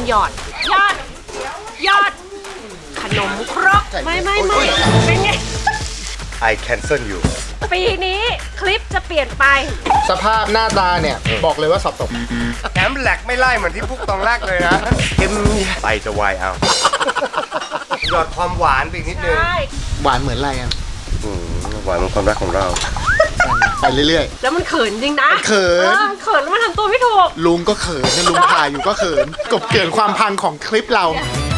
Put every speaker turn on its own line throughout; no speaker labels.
หยอดขนมครกไม่เป็นไง
I cancel you
ปีนี้คลิปจะเปลี่ยนไป
สภาพหน้าตาเนี่ยบอกเลยว่าสอบตก
แถมแหลกไม่ไล่เหมือนที่พวกตอนแรกเลยนะเค็มไปจะวายเอาหยอดความหวานไปอีกนิดนึง
หวานเหมือนอะไรอ่ะ
หวานเหมือนความรักของเรา
ไปเรื่อย
ๆแล้วมันเขินจริงนะ
เขิน
แล้วมันทำตัวไม่ถูก
ลุงก็เขินนะลุงถ่ายอยู่ก็เขินกบเกินความพังของคลิปเรา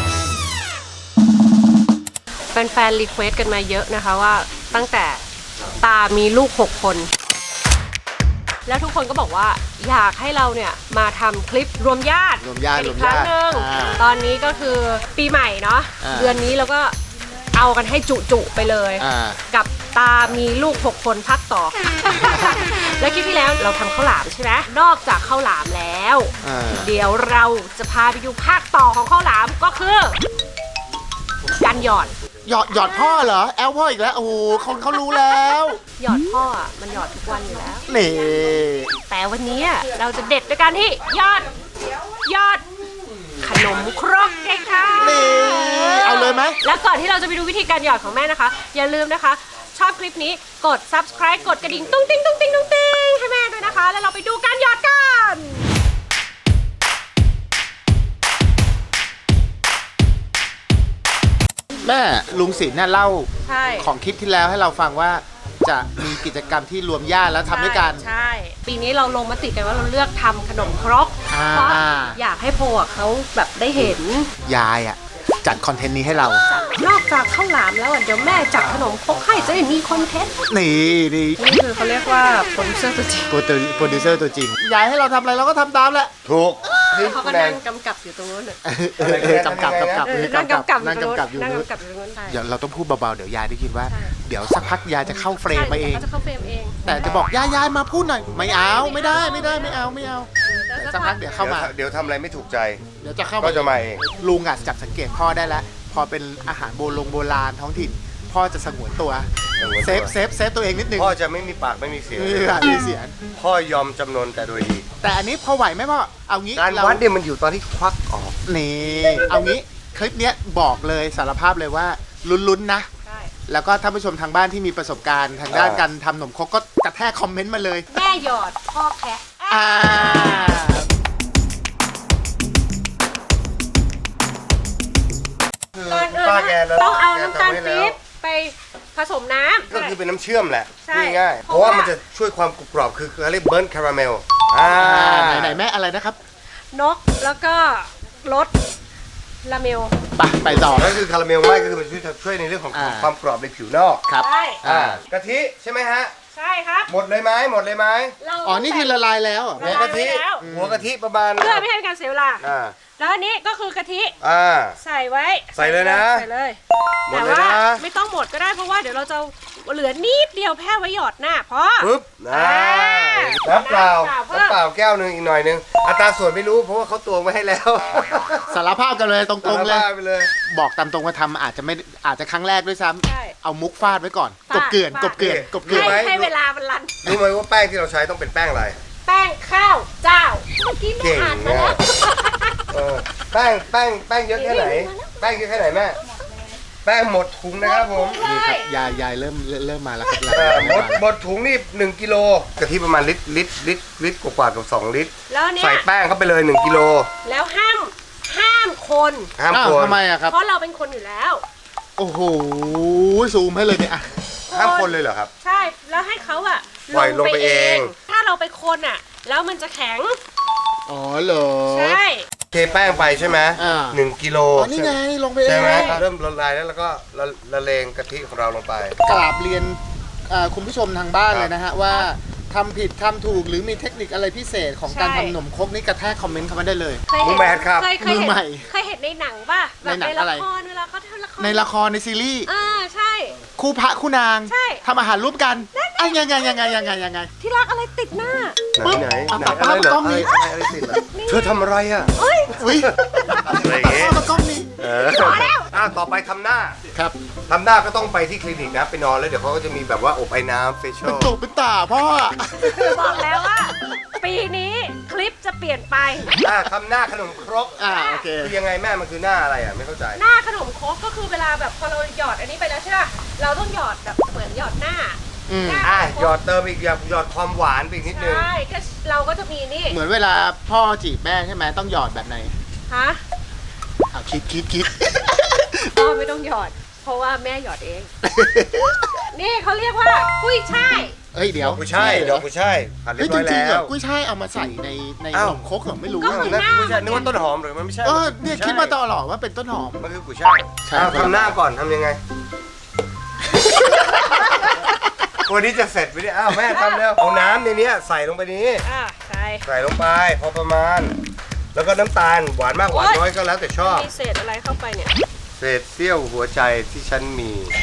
แฟนรีเควสกันมาเยอะนะคะว่าตั้งแต่ตามีลูก6คนแล้วทุกคนก็บอกว่าอยากให้เราเนี่ยมาทำคลิปรวมญาติอีกครั้งหนึ่งตอนนี้ก็คือปีใหม่เนาะเดือนนี้เราก็เอากันให้จุไปเลยกับตามีลูก6คนพักต่อ แล้วคลิปที่แล้วเราทำข้าวหลามใช่ไหมนอกจากข้าวหลามแล้วเดี๋ยวเราจะพาไปดูภาคต่อของข้าวหลามก็คือการหยอด
พ่อเหรอแอลพ่ออีกแล้วโอ้โหคนเขารู้แล้ว
หยอดพ่อมันหยอดทุกวันอยู่แล้ว
นี่
แต่วันนี้เราจะเด็ดด้วยการที่หยอดขนมครกไงค่ะ
นี่เอาเลยไหม
แล้วก่อนที่เราจะไปดูวิธีการหยอดของแม่นะคะอย่าลืมนะคะชอบคลิปนี้กด subscribe กดกระดิ่งตุ้งติ้งให้แม่ด้วยนะคะแล้วเราไปดูการหยอดกัน
แม่ลุงศิลป์เนี่ยเล่าของคลิปที่แล้วให้เราฟังว่าจะมีกิจกรรมที่รวมญาติแล้วทำด้วยกัน
ใช่ปีนี้เราลงมติกันว่าเราเลือกทำขนมครกเพราะอยากให้โพเขาแบบได้เห็น
ยายจัดคอนเทนต์นี้ให้เรา
นอกจากข้าวหลามแล้วเดี๋ยวแม่จัดขนมครกให้จะได้มีคอนเทนต์
นี่
คือเขาเรียกว่าโปรดิวเซอร์ตัวจริง
โปรดิวเซอร์ตัวจริงยายให้เราทำอะไรเราก็ทำตามแหละ
ถูก
เขาก็นั่งกำกับอยู่ตรงนู้น
กำกับอยู่
นั่ง
นู้น
กำกับอยู่ตรงนู้น
เดี๋ยวเราต้องพูดเบาๆเดี๋ยวยายได้ยินว่าเดี๋ยวสักพักยายจะเข้าเฟรมมาเอง
จะเข้าเฟรมเอง
แต่จะบอกยายมาพูดหน่อยไม่เอาไม่ได้ไม่เอาสักพักเดี๋ยวเข้ามา
เดี๋ยวทำอะไรไม่ถูกใจ
เดี๋ยวจะเข้า
ก็จะมาเอง
ลุงจับสังเกตพ่อได้แล้วพอเป็นอาหารโบราณท้องถิ่นพ่อจะสงวนตัวเซฟตัวเองนิดนึง
พ่อจะไม่มีปากไม่มีเสียงพ่อยอมจำนนแต่โดยดี
แต่อันนี้พอไหวไหมพ่อเอางี้
การวัดเนี่ยมันอยู่ตอนที่ควักออก
นี่เอางี้คลิปนี้บอกเลยสารภาพเลยว่าลุ้นๆนะแล้วก็ท่านผู้ชมทางบ้านที่มีประสบการณ์ทางด้านการทำขนมครกก็กระแทกคอมเมนต์มาเลย
แม่หยอดพ่อแคะก่อนอื่นต้องเอาน้ำตาลปี๊บไปผสมน้ำ
ก็คือเป็นน้ำเชื่อมแหละง่ายๆเพราะว่ามันจะช่วยความกรุบกรอบคือเขาเรียกเบิร์นคาราเมล
ไหนแม่อะไรนะครับ
นกแล้วก็รสลาเมล
ไปต่อ
ก็คือคาราเมลไม่ก็คือมันช่วยในเรื่องของความกรอบในผิวนอก
ครับ
กะทิใช่ไหมฮะ
ใช่ครับ
หมดเลยไหม
อ๋อนี่คือละลายแล้ว
หัวกะทิประมาณ
เพื่อไม่ให้การเสียเวลาแล้วอันนี้ก็คือกะทิใส่ไว้
ใส่เลยนะ
ใส่เลยแต่ว่าไม่ต้องหมดก็ได้เพราะว่าเดี๋ยวเราจะเหลือนิดเดียวแค่ไว้หยอดหน้าพอ
ปึ๊บน้ำเปล่าแก้วนึงอีกหน่อยนึงอัตราส่วนไม่รู้เพราะว่าเขาตวงไว้ให้แล้ว
สารภาพกันเลยตรงๆเลยบอกตามตรงว่าทำอาจจะครั้งแรกด้วยซ้ำเอามุกฟาดไว้ก่อนกบเกลื่อน
ให้เวลามันรัน
รู้ไหมว่าแป้งที่เราใช้ต้องเป็นแป้งอะไร
แป้งข้าวเจ้าเมื่อกี้แม่อ่านมาแล้ว
แป้งเยอะแค่ไหนแป้งเยอะแค่ไหนแม่แป้งหมดถุงนะครับผม
นี่ครับยายเริ่มมาแล้วครับ
หมดถุงนี่1กิโลกะทิประมาณลิตรกว่ากับ2 ลิตรใส่แป้งเข้าไปเลย1กิโล
แล้วห้ามคน
ทำไมอะครับ
เพราะเราเป็นคนอยู่แล้ว
โอ้โหซูมให้เลยเนี่ย
ห้ามคนเลยเหรอครับ
ใช่แล้วให้เขาอะ
ลงไปเอง
ถ้าเราไปคนอะแล้วมันจะแข็ง
อ๋อเหรอ
ใช่
เทแป้งไปใช่ไหม1กิโล
นี่ไงลงไปเอง
ใช่ไหมเริ่มละลายแล้วก็ละเลงกะทิของเราลงไป
กราบเรียนคุณผู้ชมทางบ้านเลยนะฮะว่าทำผิดทำถูกหรือมีเทคนิคอะไรพิเศษของการทำขนมครกนี่กระแทกคอมเมนต์เข้ามาได้เลย
มือแมทครับ
มือใหม่เคยเห็นในหนังป่ะแบบในละครเวลาเขาทำละคร
ในละครในซีรีส์
ใช่
คู่พระคู่นางทำอาหารร่วมกันอ่ะยังไง
ที่รักอะไรติดหน้า
ไหน
เอา
ไหน
ป้า
อะไรเหร
กล้
อ
องนี้
อะไรติดเหรอเธอทำอะไรอ่ะ
เอ้ย
อุ้ย
อะไรอย่างเงี้ย
ป้ากล้องนี้
ต่อไปทำหน้า
ครับ
ทำหน้าก็ต้องไปที่คลินิกนะไปนอนแล้วเดี๋ยวเขาก็จะมีแบบว่าอบไอ้น้ำเฟเชีย
เป็น
ล
ตุเป็นตาพ่อ
บอกแล้วว่า ปีนี้คลิปจะเปลี่ยนไป
ทำหน้าขนมครก
โอเค
คือยังไงแม่มันคือหน้าอะไรอ่ะไม่เข้าใจ
หน้าขนมครกก็คือเวลาแบบพอเราหยอดอันนี้ไปแล้วใช่ป่ะเราต้องหยอดแบบเหมือนหยอดหน้า
อืม
หน้า
หยอดเติมอีกหยอดความหวานไปอีกนิดนึง
ใช่ก็เราก็จะมีนี่
เหมือนเวลาพ่อจีบแม่ใช่ไหมต้องหยอดแบบไหน
ฮะ
คิด
ก็ไม่ต้องหยอด เพราะว่าแม่หยอดเอง นี่เขาเรียกว่ากุ้ยช่าย
เฮ้ยเดี๋ยว
กุยช่ายดอกกุยช่ายผัดเรี
เฮ้
ย
ย
บ
จ
ร้อย
ริงๆเหร
แล้
อ
ว
กุ้ยช่ายเอามาใส่ในข
อ้าว
นมครกเหรอไม่รู้
ก็
อะ
คือ
แล้วกุยช่ายนึกว่าต้นหอมหรือมันไม่ใช่
เนี่ยคิดมาตลอดว่าเป็นต้นหอม
มันคือกุยช่าย
ใช่
ทำหน้าก่อนทำยังไงวันนี้จะเสร็จไปเนี่ยแม่ทำแล้วเอาน้ำในนี้ใส่ลงไปนี้
อ่าใช่
ใส่ลงไปพอประมาณ แล้วก็น้ำตาลหวานมากหวานน้อยก็แล้วแต่ชอบ
มีเศษอะไรเข้าไปเนี่ย
เศษเสี้ยวหัวใจที่ฉันมี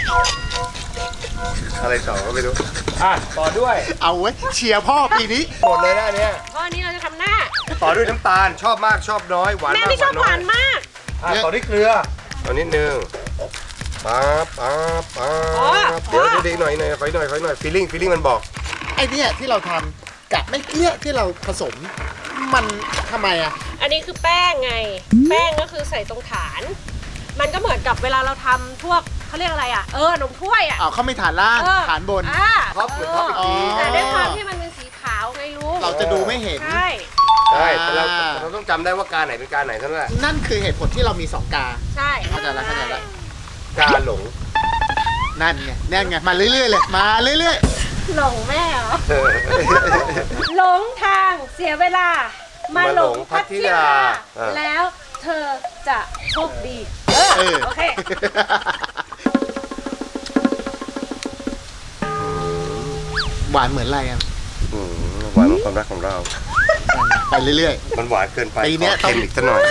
อะไรต่อก็ไม่รู้ต่อด้วย
เอาไว้เชียร์พ่อปีนี้
หมดเลยนะอันเนี้ย
เพราะอันนี้เราจะทำหน้า
ต่อด้วยน้ำตาลชอบมากชอบน้อยหวาน
แม่
มาก
ไม่ชอบหวาน
น้อย
มาก
ต่อด้วยเกลือต่อนิดนึงปั๊บเดี๋ยวหน่อยขอหน่อยฟีลลิ่งมันบอก
ไอเนี่ยที่เราทำกับไม่เกลี้ยที่เราผสมมันทำไมอ่ะ
อันนี้คือแป้งไง แป้งก็คือใส่ตรงฐาน มันก็เหมือนกับเวลาเราทำพวกเขาเรียกอะไรอ่ะ ขนมถ้วยอ่ะ
เขาไม่ฐานล่าง
เออ
ฐานบน
ท็อปเหมือนท็อปอีกที
แต่ด้วยความที่มันเป็นสีขาวไงลูก
เราจะดูไม่เห็น
ใช่
ใช่แต่เราต้องจำได้ว่าการไหนเป็นการไหนเท่านั้นแหละ
นั่นคือเหตุผลที่เรามี2 กา
ใช่
เข้าใจละ
การหลง
นั่นไงมาเรื่อยๆเลยมาเรื่อย
หลงแม่เหรอ หลงทางเสียเวลา มาหลงพัทยา แล้วเธอจะโชคดี โอเค
หวานเหมือนอะไรอ่ะ
หวานของความรักของเรา
ไปเรื่อย
มันหวานเกินไป
ปีเนี้ย
ขอเค็มอีกสักหน่อย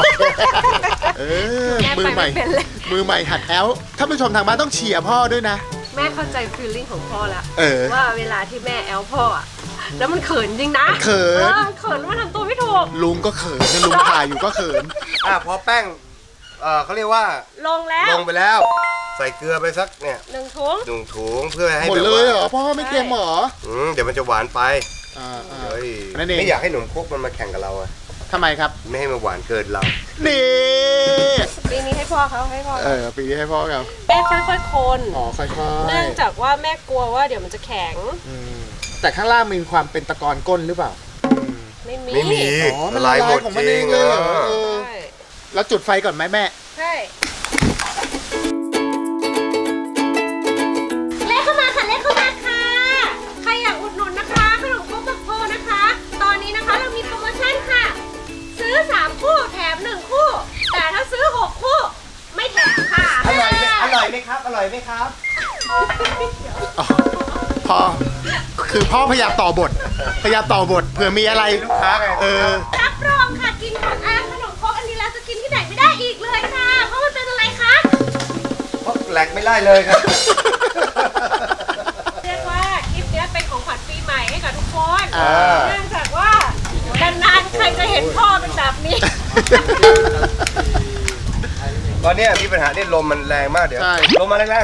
ๆมือใหม่
แม่ไปไม่เป็นเลย
มือใหม่หัดแอลถ้าผู้ชมทางบ้านต้องเชียร์พ่อด้วยนะ
แม่เข้าใจฟีลลิ่งของพ่อแล้ว
ว่า
ว่าเวลาที่แม่แอลพ่ออะแล้วมันเขินจริงนะ
เขิน
เขินแล้วมันทำตัวไม่ถูก
ลุงก็เขินนะลุงถ่ายอยู่ก็เขิน
พอแป้งเขาเรียกว่า
ลงแล้ว
ลงไปแล้ว ใส่เกลือไปสักเนี่ย
1 ถุง
ถุงเพื่อให้
หมด
แบบ
เล
ว่าย
เหรอพ่อไม่เค็มเหรอ
เดี๋ยวมันจะหวานไป เฮ้ย
นั่นเอง
ไม่อยากให้หนมครกมันมาแข่งกับเราอะ
ทำไมครับ
ไม่ให้มันหวานเกินเรา
นี่
ปีนี้ให้พ่อเขาให้พ่อ
ปีนี้ให้พ่อครับ
แม่ค่อยๆคน
ค่อย
เนื่องจากว่าแม่กลัวว่าเดี๋ยวมันจะแข็ง
แต่ข้างล่างมีความเป็นตะกอนก้นหรือเปล่า
ไม่มี
ไม่มี
มันละลายของมันเองเลยเหรอ
ใช่
แล้วจุดไฟก่อนไหมแม่
ใช่เลขเข้ามาค่ะเลขเข้ามาค่ะ ใครอยากอุดหนุนนะคะขนมครกบักโพนะคะ ตอนนี้นะคะเรามีโปรโมชั่นค่ะ ซื้อ 3 คู่แถม 1 คู่ แต่ถ้าซื้อ 6 คู่ ไม่แถมค่ะ
อร่อยไหมครับ อร่อยไหมครับ
พ่อคือพ่อพยายามต่อบทเผื่อมีอะไร
ลูกค้าไง
รับรองค่ะกินของขนมครกอันนี้แล้วจะกินที่ไหนไม่ได้อีกเลยค่ะ เพราะมันเป็นอะไรคะ
เพราะแหลกไม่ไล่เลยครับ
เรียกว่าคลิปนี้เป็นของขวัญปีใหม่ให้กับทุกคน
อ่า
เนื่องจากว่านานๆใครจะเห็นพ่อเป็นแบบนี้
ตอนเนี้ยมีปัญหาเนี่ยลมมันแรงมากเดี๋ยว
ใช่
ลมมาแรง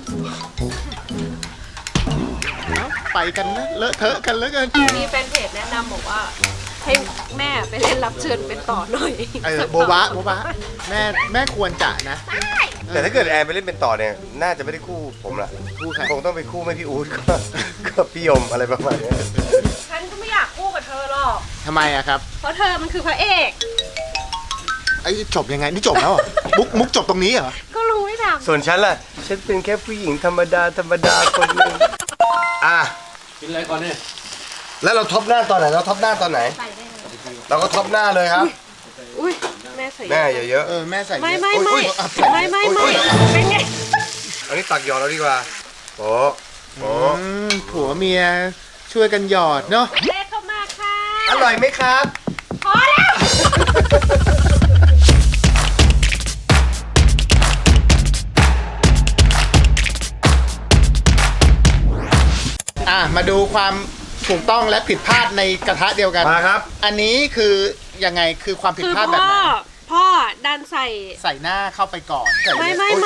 ไปกันนะเลอะเทอะกันเหลือเกิน
มีแฟนเพจแนะนำบอกว่า ให้แม่ไปเล่นรับเชิญเป็นต่อหน่อย
โบบะแม่ควรจะนะ
ๆแต่ถ้าเกิดแอนไปเล่นเป็นต่อเนี่ยน่าจะไม่ได้คู่ผมละ
คู่ใคร
คงต้องไปคู่ไม่พี่อู๊ดก็พี่ยมอะไรประมาณเนี้ย
ฉันก็ไม่อยากคู่กับเธอหรอก
ทำไมอะครับ
เพราะเธอมันคือพระเอก
ไอ้จบยังไงนี่จบแล้วเหรอมุกจบตรงนี้เหรอ
ก็รู้ไม่ท
ส่วนฉันล่ะ ฉันเป็นแค่ผู้หญิงธรรมดาคนหนึงกินอะไรก่อนเนี่ยแล้วเราท็อปหน้าตอนไหนเราก็ท็อปหน้าเลยครับ
ำอุ้ยแม่ใส่
แม่เยอะ
แม่ใส่เยอะ
ไม่
อุ๊ย
เป็นไง
ๆอันนี้ตักหยอดเราดีกว่าโอ้
ผัวเมียช่วยกันหยอดเนาะ
เลขเข้ามาค่ะ
อร่อยไหมครับ
พอแล้ว
อมาดูความถูกต้องและผิดพลาดในกระทะเดียวกัน
มาครับ
อันนี้คือยังไงคือความผิด
คือ
พลาดแบบไหน
พ่อดันใส่
ใส่หน้าเข้าไปก่อนใส่
ไม่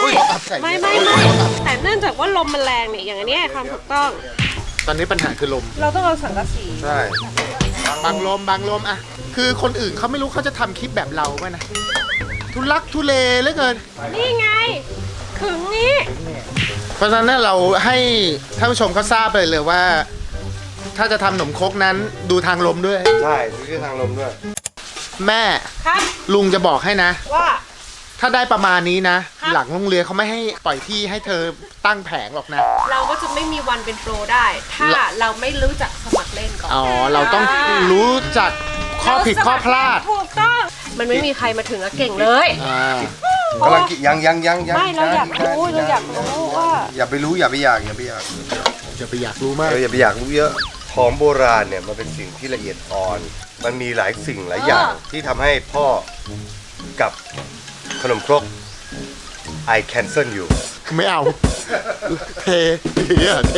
แต่เนื่องจากว่าลมมันแรงเนี่ยอย่างอันเนี้ยความถูกต้อง
ตอนนี้ปัญหาคือลม
เราต้องเอาสังกะสี
ใช่
บางลมอะคือคนอื่นเขาไม่รู้เขาจะทำคลิปแบบเราป่ะนะทุลักทุเลเหลือเกิน
นี่ไงขึงนี้
เพราะฉะนั้นเราให้ท่านผู้ชมเขาทราบเลยว่า ถ้าจะทำขนมครกนั้นดูทางลมด้วย
ใช่ดูที่ทางลมด้วย
แม่
ครับ
ลุงจะบอกให้นะ
ว่า
ถ้าได้ประมาณนี้นะ
ครับ
หลังโรงเรียนเขาไม่ให้ปล่อยที่ให้เธอตั้งแผงหรอกนะ
เราก็จะไม่มีวันเป็นโปรได้ ถ้าเราไม่รู้จักสมัครเล่นก่อน
อ๋อ เราต้องรู้จักข้อผิดข้อพลาด
ถูกต้อง มันไม่มีใครมาถึงแล้วเก่งเลย
อ่า
กำลังกินยัง
ไม่เราอยากรู้ว่า
อย่าไปรู้อย่าไปอยากอย่าไปอยาก
จะไปอยากรู้มาก
อย่าไปอยากรู้เยอะของโบราณเนี่ยมันเป็นสิ่งที่ละเอียดอ่อน มันมีหลายสิ่งหลายอย่างที่ทำให้พ่อกับขนมครก I cancel you
ไม่เอา เทเนี่ยเท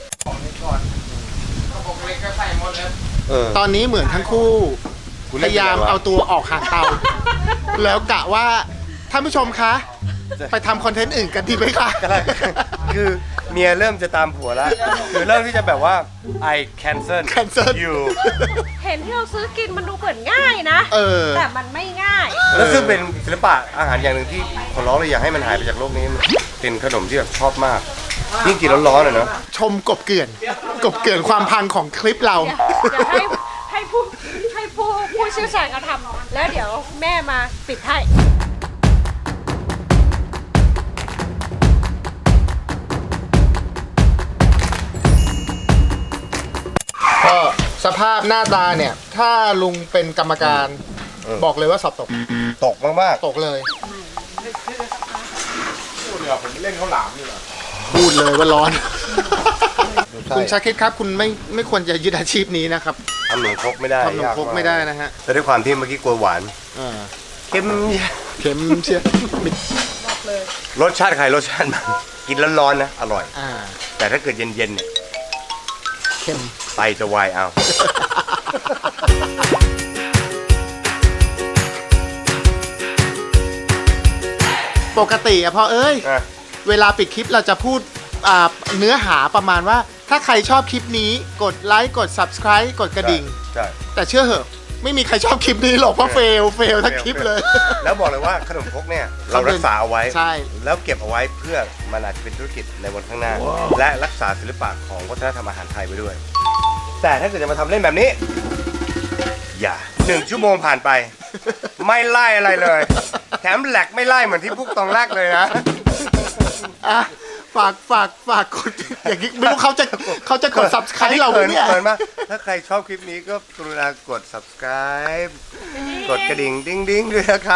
เออ
ตอนนี้เหมือนทั้งคู่
คุณ
พ
เล่น
ยายาม
ยังไงวะ
เอาตัวออกห่างเตา แล้วกะว่าท่านผู้ชมคะ ไปทำคอนเทนต์อื่นกันดีไหมคะ
คือเมียเริ่มจะตามผัวแล้ว คือเริ่มที่จะแบบว่า I cancel
Cancel
you
เห็นที่เราซื้อกินมันดูเหมือนง่ายนะ
เออ
แต่มันไม่ง่าย
แล้วซึ่งเป็นศิลปะอาหารอย่างหนึ่งที่ขอร้องเลยอยากให้มันหายไปจากโลกนี้เป็นขนมที่แบบชอบมาก ยิ่งกินร้อนๆอะเนาะ
ชมกบเกลื่อนความพังของคลิปเรา
เดี๋ยวให้ผู้เชี่ยวชาญเขาทำแล้วเดี๋ยวแม่มาปิดให้
ก็สภาพหน้าตาเนี่ย ถ้าลุงเป็นกรรมการ บอกเลยว่าสอบตก
ตกมาก
ตกเลย
ๆผมเล่นข้าวหลามนี่แหละ
พูดเลยว่าร้อน
ใช่
คุณชาคิดครับ คุณไม่ควรจะยึดอาชีพนี้นะครับ
ทำหนมครกไม่ได้
ทำขนมครกไม่ได้นะฮะ
แต่ด้วยความที่เมื่อกี้กลัวหวาน
อ่า
เค็ม
เข็มเชีย
รสชาติใครรสชาติมันกินร้อนๆนะอร่อย
อ่า
แต่ถ้าเกิดเย็นๆเนี่ย
เข็ม
ไตจะวายเอา
ปกติอะพอเอ้ย
อ่ะ
เวลาปิดคลิปเราจะพูดเนื้อหาประมาณว่า ถ้าใครชอบคลิปนี้กดไลค์กด subscribe กดกระดิ่ง
ใช่
แต่เชื่อเหอะ ไม่มีใครชอบคลิปนี้หรอกเพราะเฟลทั้งคลิปเลย
แล้วบอกเลยว่าขนมครกเนี่ยเรารักษาเอาไว้
ใช่
แล้วเก็บเอาไว้เพื่อมันอาจจะเป็นธุรกิจในวันข้างหน้า และรักษาศิลปะของวัฒนธรรมอาหารไทยไว้ด้วย แต่ถ้าเกิดจะมาทำเล่นแบบนี้ อย่า1 ชั่วโมงผ่านไป ไม่ไล่อะไรเลย แถมแหลกไม่ไล่เหมือนที่พวกตองแรกเลยนะ
อ่ะฝากกดอย่างนี้ไม่รู้เขาจะกด subscribe เราไหมเนี่ย
เขินมากถ้าใครชอบคลิปนี้ก็กรุณากด subscribe กดกระดิ่งดิ้งๆด้วยนะครับ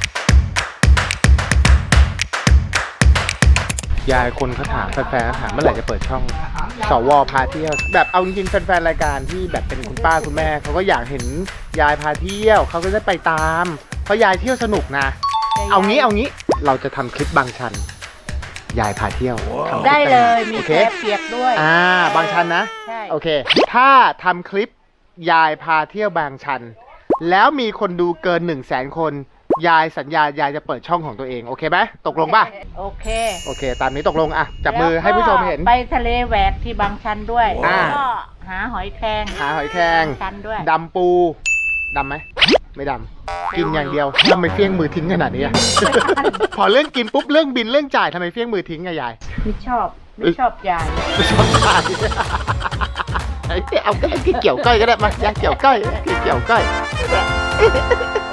ยายคนเขาถามแฟนๆถามเมื่อไหร่จะเปิดช่องสวพาเที่ยวแบบเอาจริงๆแฟนๆรายการที่แบบเป็นคุณป้าคุณแม่เขาก็อยากเห็นยายพาเที่ยวเขาก็จะไปตามเพราะยายเที่ยวสนุกนะ เอางี้เราจะทำคลิปบางชัน ยายพาเที่ยวทำคลิป
ได้เลยมี
โอ
แค
เค
บเปียกด้วย
บางชันนะ
ใช่
โอเค ถ้าทำคลิปยายพาเที่ยวบางชัน แล้วมีคนดูเกิน 100,000 คน ยายสัญญายายจะเปิดช่องของตัวเองโอเคไหมตกลงป่ะ
โอเค
โอเค ตามนี้ตกลงอ่ะจับมือให้ผู้ชมเห็น
แล้วก็ไปทะเลแหวกที่บางชันด้วย
อ่า
แล้วก็หาหอยแครง
หาหอยแครง
ชันด้วย
ดำปูดำไหมไม่ดำกินอย่างเดียวทำไมเฟี้ยงมือทิ้งขนาดนี้อะ พอเรื่องกินปุ๊บเรื่องบินเรื่องจ่ายทำไมเฟี้ยงมือทิ้งอะยาย
ไม่ชอบยาย
ไม่ชอบจ่ายเอาก็เกี่ยวก้อยก็ได้มายายเกี่ยวก้อยเกี่ยวก้อย